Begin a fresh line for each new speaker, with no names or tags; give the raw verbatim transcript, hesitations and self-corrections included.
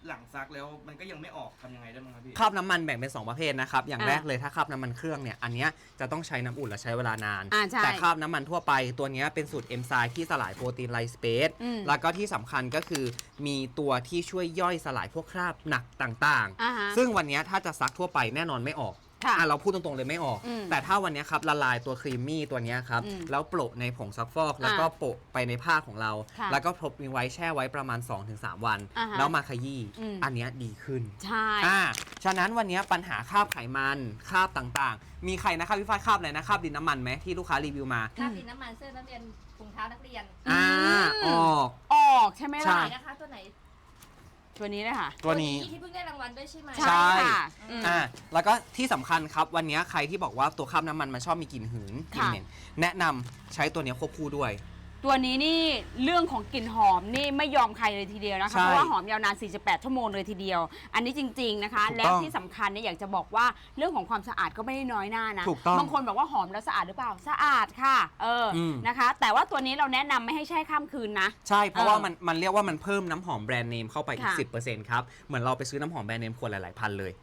หลังซักแล้วมันก็ยังไม่ออกทำยังไงได้บ้างครับพี่
คราบน้ำมันแบ่งเป็นสองประเภทนะครับอย่างแรกเลยถ้าคราบน้ำมันเครื่องเนี่ยอันเนี้ยจะต้องใช้น้ำอุ่นและใช้เวลานานแต่คราบน้ำมันทั่วไปตัวนี้เป็นสูตรเอนไซม์ที่สลายโปรตีนไลสเปซแล้วก็ที่สำคัญก็คือมีตัวที่ช่วยย่อยสลายพวกคราบหนักต่างๆซึ่งวันนี้ถ้าจะซักทั่วไปแน่นอนไม่ออกอ่ะเราพูดตรงๆเลยไม่ออกแต่ถ้าวันนี้ครับละลายตัวครีมมี่ตัวนี้ครับแล้วโปะในผงซักฟอกแล้วก็โปะไปในผ้าของเราแล้วก็พรบไว้แช่ไว้ประมาณ สองถึงสาม วันแล้วมาขยี้อันนี้ดีขึ้น
ใช่
อ่าฉะนั้นวันนี้ปัญหาคราบไขมันคราบต่างๆมีใครนะครับพี่ฝ้ายคราบอะไรนะคราบดินน้ำมันไหมที่ลูกค้ารีวิวมา
คราบดินน้ำมันเสื้อนักเรียนถุงเท้านักเรียน
อ่าออก
ออกใช่ไหมล่ะ
นะคะตัวไหน
ตัวนี้เลยค่ะ
ตัวนี้
ที่เพิ่งได้รางวัลด้วยใช่ไหม
ใช่ค่ะ
อ่าแล้วก็ที่สำคัญครับวันนี้ใครที่บอกว่าตัวคราบน้ำมันมันชอบมีกลิ่นหืนกลิ่นเหม็นแนะนำใช้ตัวนี้ควบคู่ด้วย
ตัวนี้นี่เรื่องของกลิ่นหอมนี่ไม่ยอมใครเลยทีเดียวนะคะเพราะว่าหอมยาวนานสี่สิบแปดชั่วโมงเลยทีเดียวอันนี้จริงๆนะคะและที่สำคัญเนี่ยอยากจะบอกว่าเรื่องของความสะอาดก็ไม่ได้น้อยหน้านะบางคนบอกว่าหอมแล้วสะอาดหรือเปล่าสะอาดค่ะเออนะคะแต่ว่าตัวนี้เราแนะนำไม่ให้แช่ข้ามคืนนะ
ใช่เพราะว่ามันมันเรียกว่ามันเพิ่มน้ำหอมแบรนด์เนมเข้าไปอีก สิบเปอร์เซ็นต์ ครับเหมือนเราไปซื้อน้ำหอมแบรนด์เนมขวดหลายๆพันเลย